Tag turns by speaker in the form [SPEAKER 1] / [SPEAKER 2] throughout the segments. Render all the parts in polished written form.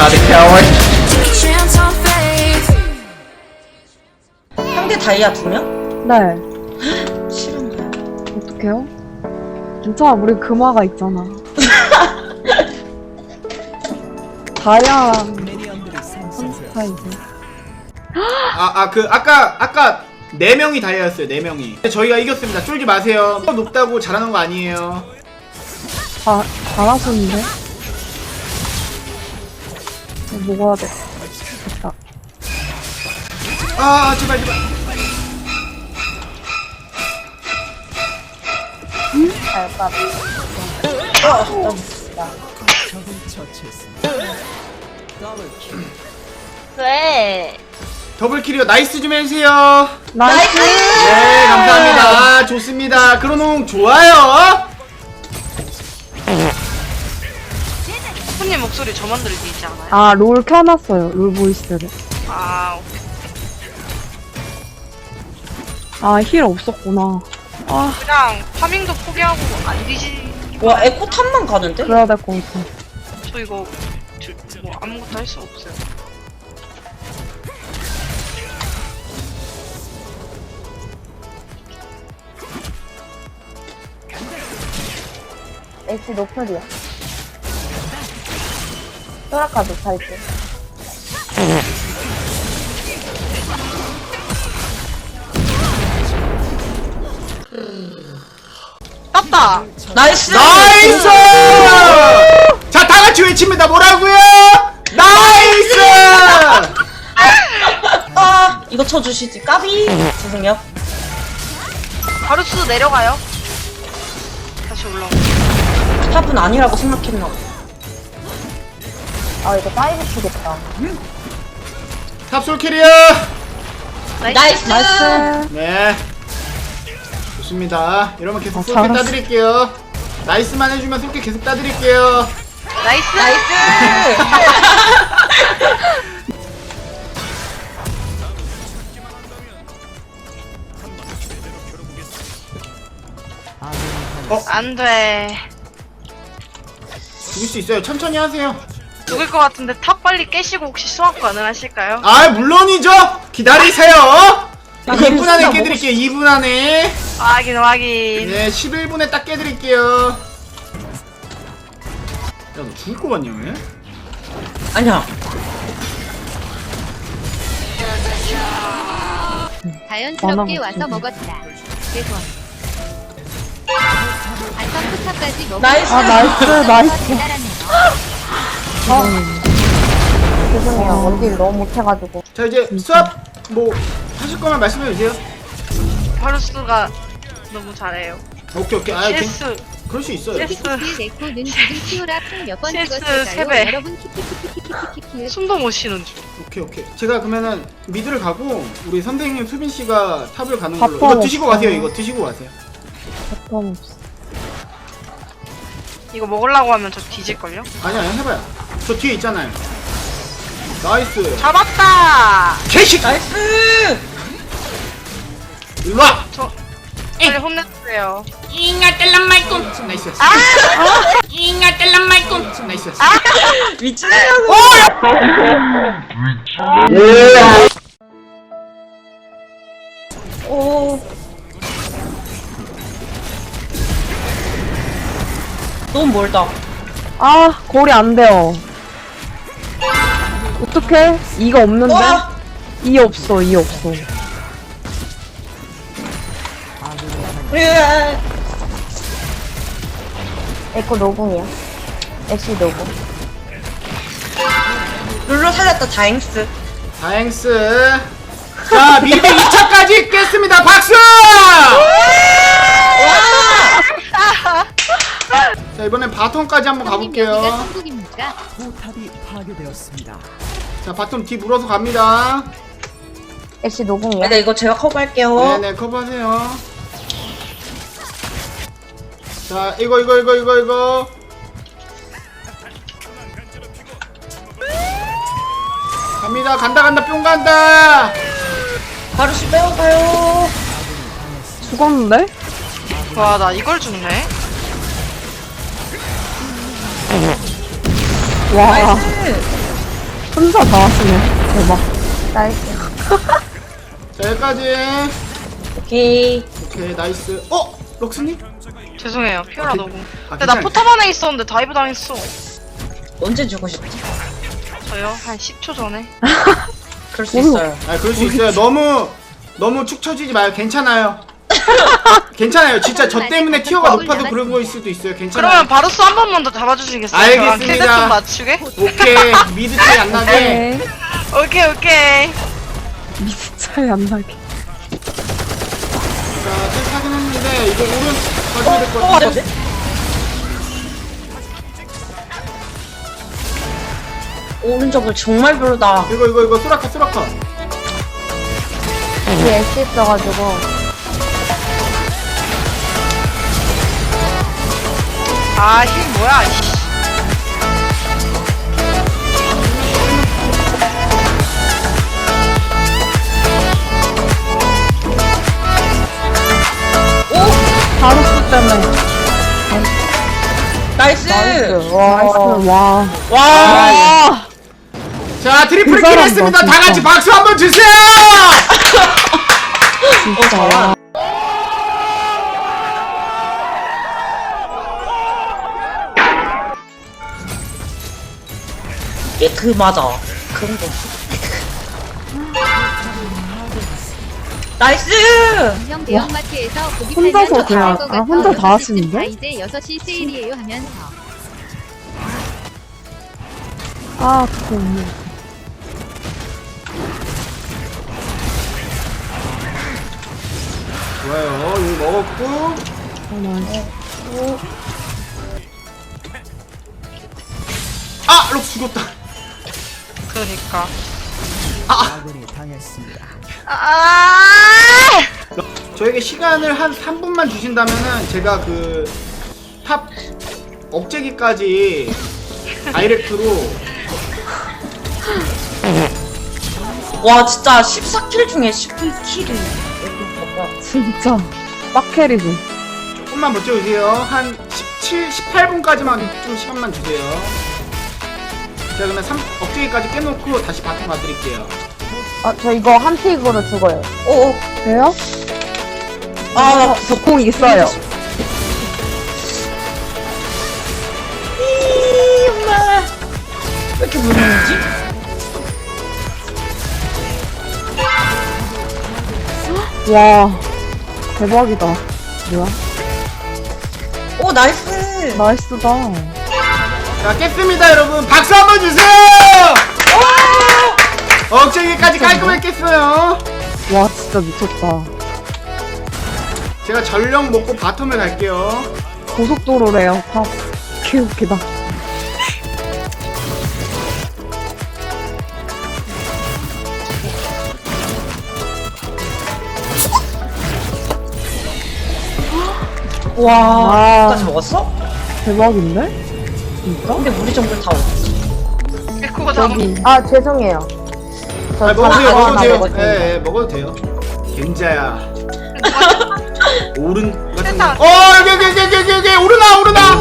[SPEAKER 1] the coward.
[SPEAKER 2] 상대 다이아 2명?
[SPEAKER 3] 네.
[SPEAKER 2] 싫은가요?
[SPEAKER 3] 어떡해요? 괜찮아, 우리 금화가 있잖아. 다양한 스타일이지.
[SPEAKER 1] 아까 4명이 다이아였어요. 4명이. 저희가 이겼습니다. 쫄지 마세요. 높다고 잘하는 거 아니에요.
[SPEAKER 3] 잘하셨는데? 먹어야 돼. 됐다.
[SPEAKER 1] 아 제발.
[SPEAKER 4] 왜?
[SPEAKER 1] 더블킬이요. 나이스 좀 해주세요.
[SPEAKER 3] 나이스!
[SPEAKER 1] 네 감사합니다. 좋습니다. 크로농 좋아요.
[SPEAKER 4] 손님 목소리 저만 들리지 않아요?
[SPEAKER 3] 아, 롤 켜놨어요. 롤 보이스를.
[SPEAKER 4] 아, 오케이.
[SPEAKER 3] 아, 힐 없었구나. 아,
[SPEAKER 4] 그냥 파밍도 포기하고 안 뒤지.
[SPEAKER 2] 와 에코 탑만 가는데?
[SPEAKER 3] 그래야 될 것 같아.
[SPEAKER 4] 저 이거 뭐 아무것도 할 수 없어요.
[SPEAKER 5] X 노플이야. 소라카 노타이트.
[SPEAKER 4] 땄다.
[SPEAKER 2] 나이스!
[SPEAKER 1] 나이스! 자 다같이 외칩니다. 뭐라고요? 나이스!
[SPEAKER 2] 아 이거 쳐주시지 까비! 죄송해요.
[SPEAKER 4] 바루스 내려가요. 다시 올라오고.
[SPEAKER 2] 탑은 아니라고 생각했나 봐.
[SPEAKER 5] 아, 이거 다이브 치겠다.
[SPEAKER 1] 탑솔 캐리어.
[SPEAKER 2] 나이스!
[SPEAKER 3] 나이스!
[SPEAKER 1] 네. 좋습니다. 이러면 계속 쏠게
[SPEAKER 3] 잘했어.
[SPEAKER 1] 따드릴게요. 나이스만 해주면 쏠게 계속 따드릴게요.
[SPEAKER 4] 나이스.
[SPEAKER 2] 나이스!
[SPEAKER 4] 안 돼.
[SPEAKER 1] 죽일 수 있어요. 천천히 하세요.
[SPEAKER 4] 죽을 것 같은데 탑 빨리 깨시고 혹시 수학 가능하실까요?
[SPEAKER 1] 아 물론이죠. 기다리세요.
[SPEAKER 2] 아,
[SPEAKER 1] 2분 안에
[SPEAKER 2] 진짜
[SPEAKER 1] 깨드릴게요. 2분 안에.
[SPEAKER 4] 확인 확인.
[SPEAKER 1] 네 11분에 딱 깨드릴게요. 야 너 죽을 것 같냐 왜?
[SPEAKER 2] 아니야.
[SPEAKER 6] 자연스럽게
[SPEAKER 3] 많아,
[SPEAKER 6] 와서
[SPEAKER 3] 진짜.
[SPEAKER 6] 먹었다. 대선. 안성 포탑까지 먹고
[SPEAKER 2] 나이스!
[SPEAKER 3] 아, 나이스, 나이스.
[SPEAKER 6] 대단하네요.
[SPEAKER 5] 죄송해요. 원딜 너무 못해가지고.
[SPEAKER 1] 자 이제 수업 뭐 하실 거면 말씀해 주세요.
[SPEAKER 4] 바루스가 너무 잘해요.
[SPEAKER 1] 오케이. 아
[SPEAKER 4] CS
[SPEAKER 1] 그럴 수 있어요.
[SPEAKER 4] CS
[SPEAKER 6] 키키키키 네코는 지금 키오라 몇번
[SPEAKER 4] CS
[SPEAKER 6] 찍었을까요?
[SPEAKER 4] 세배.
[SPEAKER 6] 여러분 키키키키키키키키.
[SPEAKER 4] 숨도 못 쉬는 중.
[SPEAKER 1] 오케이. 제가 그러면은 미드를 가고 우리 선생님 수빈 씨가 탑을 가는 걸로.
[SPEAKER 3] 바텀
[SPEAKER 1] 이거 드시고
[SPEAKER 3] 없어요.
[SPEAKER 1] 가세요. 이거 드시고 가세요.
[SPEAKER 3] 바텀 없어.
[SPEAKER 4] 이거 먹으려고 하면 저 뒤질걸요?
[SPEAKER 1] 아니야 해봐요. 저 뒤에 있잖아요. 나이스.
[SPEAKER 4] 잡았다!
[SPEAKER 1] 개식.
[SPEAKER 2] 나이스!
[SPEAKER 1] 일로 와.
[SPEAKER 4] 저 빨리 혼내주세요.
[SPEAKER 1] 나이스.
[SPEAKER 4] 아!
[SPEAKER 1] 나이스.
[SPEAKER 2] 미친놈이라고! 오. 너무 멀다.
[SPEAKER 3] 아, 골이 안 돼요. 어떡해? 이가 없는데?
[SPEAKER 2] 와!
[SPEAKER 3] 이 없어, 이 없어.
[SPEAKER 2] 으아.
[SPEAKER 5] 에코 노궁이야. X 노궁.
[SPEAKER 2] 룰루 살렸다 다행스.
[SPEAKER 1] 다행스. 자 미드 2차까지 깼습니다. 박수. 자 이번엔 바텀까지 한번
[SPEAKER 6] 여기가
[SPEAKER 1] 가볼게요.
[SPEAKER 6] 천국입니까?
[SPEAKER 1] 자 바텀 뒤 물어서 갑니다.
[SPEAKER 5] X 노궁이야.
[SPEAKER 2] 네 이거 제가 커버할게요.
[SPEAKER 1] 네네 커버하세요. 자 이거 갑니다. 간다 뿅 간다.
[SPEAKER 2] 바루시 빼어가요.
[SPEAKER 3] 죽었는데?
[SPEAKER 4] 와, 나 이걸 죽네?
[SPEAKER 3] 와,
[SPEAKER 2] 나이스!
[SPEAKER 3] 혼자 다 하시네. 대박.
[SPEAKER 5] 나이스.
[SPEAKER 1] 자 여기까지.
[SPEAKER 2] 오케이.
[SPEAKER 1] 오케이 나이스. 럭스님?
[SPEAKER 4] 죄송해요. 피오라 너무.
[SPEAKER 1] 아,
[SPEAKER 4] 근데 나
[SPEAKER 1] 괜찮아요.
[SPEAKER 4] 포탑 안에 있었는데 다이브 당했어.
[SPEAKER 2] 언제 주고 싶지?
[SPEAKER 4] 저요? 한 10초 전에.
[SPEAKER 2] 그럴 수 있어요.
[SPEAKER 1] 아 그럴 수 있어요. 너무 축 처지지 마요. 괜찮아요. 괜찮아요. 진짜 저 때문에 티어가 높아서 그런 거일 수도 있어요. 괜찮아요.
[SPEAKER 4] 그러면 바루스 한 번만 더 잡아주시겠어요?
[SPEAKER 1] 알겠습니다.
[SPEAKER 4] 저랑 킬드 좀 맞추게?
[SPEAKER 1] 오케이 미드 차이 안 나게.
[SPEAKER 3] 네.
[SPEAKER 4] 오케이.
[SPEAKER 3] 미스 차이 안 나게.
[SPEAKER 1] 자 셀프하긴 했는데 이거 오른 가져야 될 것 같은데.
[SPEAKER 2] 오른쪽을 정말 별로다.
[SPEAKER 1] 이거 소라카.
[SPEAKER 5] 뒤에 애쉬 있어가지고.
[SPEAKER 4] 아, 힐 뭐야, 이씨.
[SPEAKER 3] 바루스 때문에.
[SPEAKER 2] 나이스.
[SPEAKER 3] 나이스.
[SPEAKER 5] 와.
[SPEAKER 3] 와.
[SPEAKER 2] 와.
[SPEAKER 1] 자 트리플
[SPEAKER 3] 그
[SPEAKER 1] 킬
[SPEAKER 3] 사람다,
[SPEAKER 1] 했습니다. 다
[SPEAKER 3] 진짜.
[SPEAKER 1] 같이 박수 한번 주세요.
[SPEAKER 3] 진짜.
[SPEAKER 2] 이게 맞아. 그런 거. 나이스.
[SPEAKER 6] 형 대형마트에서 고기
[SPEAKER 3] 혼자서
[SPEAKER 6] 팔면
[SPEAKER 3] 그냥-
[SPEAKER 6] 좋을 것
[SPEAKER 3] 아, 혼자
[SPEAKER 6] 같아.
[SPEAKER 3] 다 하시는데?
[SPEAKER 6] 다 이제 6시 세일이에요 하면서.
[SPEAKER 3] 아, 그거 없네.
[SPEAKER 1] 좋아요. 이거 먹었고. 럭 죽었다.
[SPEAKER 4] 그러니까.
[SPEAKER 1] 저에게 시간을 한 3분만 주신다면은 제가 그 탑 억제기까지 다이렉트로
[SPEAKER 2] 와 진짜 14킬 중에 10킬이.
[SPEAKER 3] 진짜. 빡캐리지.
[SPEAKER 1] 조금만 버텨주세요. 한 18분까지만 좀 시간만 주세요. 제가 그러면 억제기까지 깨놓고 다시 바텀 가드릴게요.
[SPEAKER 5] 저 이거 한 픽으로 죽어요.
[SPEAKER 2] 오.
[SPEAKER 3] 돼요?
[SPEAKER 2] 아,
[SPEAKER 3] 저공 있어요.
[SPEAKER 2] 엄마. 왜 이렇게 무너지지?
[SPEAKER 3] 와. 대박이다. 뭐야?
[SPEAKER 2] 오 나이스.
[SPEAKER 3] 나이스다.
[SPEAKER 1] 자 깼습니다 여러분. 박수 한번 주세요. 억제기까지 깔끔하게 깼어요.
[SPEAKER 3] 와, 진짜 미쳤다.
[SPEAKER 1] 제가 전력 먹고 바텀을 갈게요.
[SPEAKER 3] 고속도로래요, 탑. 개웃기다.
[SPEAKER 2] 와.
[SPEAKER 3] 아.
[SPEAKER 2] 까지 먹었어?
[SPEAKER 3] 대박인데? 진짜?
[SPEAKER 2] 근데 우리 정글 다 어디?
[SPEAKER 4] 에코가 다
[SPEAKER 5] 아, 죄송해요. 저
[SPEAKER 1] 먹어도 돼요.
[SPEAKER 5] 하나
[SPEAKER 1] 먹어도 돼요.
[SPEAKER 5] 먹었습니다.
[SPEAKER 1] 예, 먹어도 돼요. 겐자야. 오른 같은
[SPEAKER 4] 세상.
[SPEAKER 1] 거. 여기 오르나.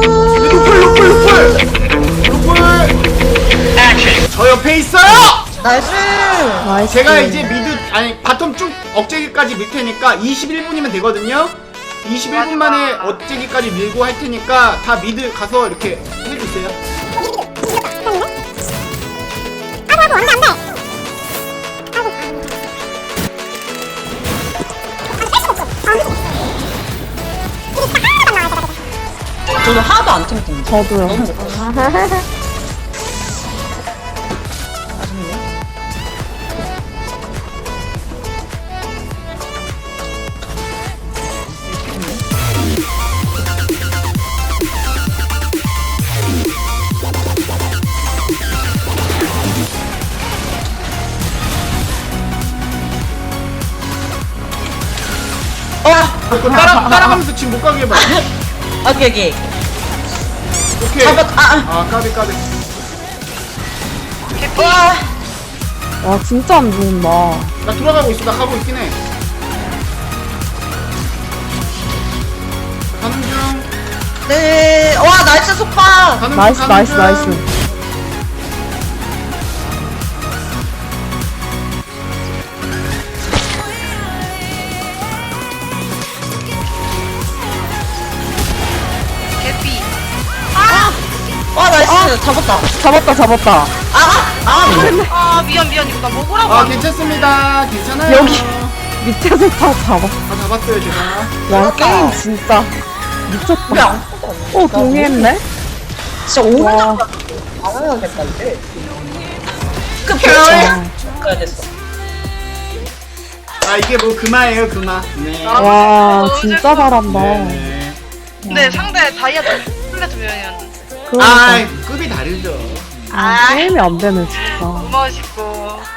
[SPEAKER 1] 루플. 저 옆에 있어요.
[SPEAKER 2] 나이스.
[SPEAKER 3] 나이스.
[SPEAKER 1] 제가 이제 미드 바텀 쭉 억제기까지 밀 테니까 21분이면 되거든요. 21분 만에 억제기까지 밀고 할 테니까 다 미드 가서 이렇게 해주세요.
[SPEAKER 2] 저는 하나도 안 탱탱.
[SPEAKER 3] 저도요.
[SPEAKER 2] 너무 아쉽네.
[SPEAKER 1] 그거 따라가면서 지금 못 가게 해봐.
[SPEAKER 2] 오케이.
[SPEAKER 1] 오케이. 까비.
[SPEAKER 2] 와.
[SPEAKER 3] 와, 진짜 안 좋은다.
[SPEAKER 1] 나 돌아가고 있어. 나 가고 있긴 해. 가는 중.
[SPEAKER 2] 네. 와 나이스 속박.
[SPEAKER 1] 가는 중.
[SPEAKER 3] 나이스,
[SPEAKER 1] 가는
[SPEAKER 3] 나이스,
[SPEAKER 1] 중.
[SPEAKER 3] 나이스. 잡았다.
[SPEAKER 4] 아 미안 이거 나 먹으라고
[SPEAKER 1] 아
[SPEAKER 4] 한
[SPEAKER 1] 괜찮습니다. 괜찮아요.
[SPEAKER 3] 여기. 밑에서 다 잡아.
[SPEAKER 1] 다 잡았어요 제가.
[SPEAKER 3] 와, 게임 진짜 미쳤다. 오, 동의했네?
[SPEAKER 2] 진짜 오늘
[SPEAKER 3] 와,
[SPEAKER 2] 당황하겠다 이제. 가야 됐어.
[SPEAKER 1] 아 이게 뭐 금화예요 금화. 네.
[SPEAKER 4] 아,
[SPEAKER 3] 와,
[SPEAKER 4] 너무
[SPEAKER 3] 진짜
[SPEAKER 4] 재밌어.
[SPEAKER 3] 잘한다.
[SPEAKER 1] 네.
[SPEAKER 4] 근데 상대 다이아도 플래트 면이었는데
[SPEAKER 3] 그러니까.
[SPEAKER 1] 아 급이 다르죠.
[SPEAKER 3] 아, 게임이 안 되네, 진짜.
[SPEAKER 4] 너무 멋있고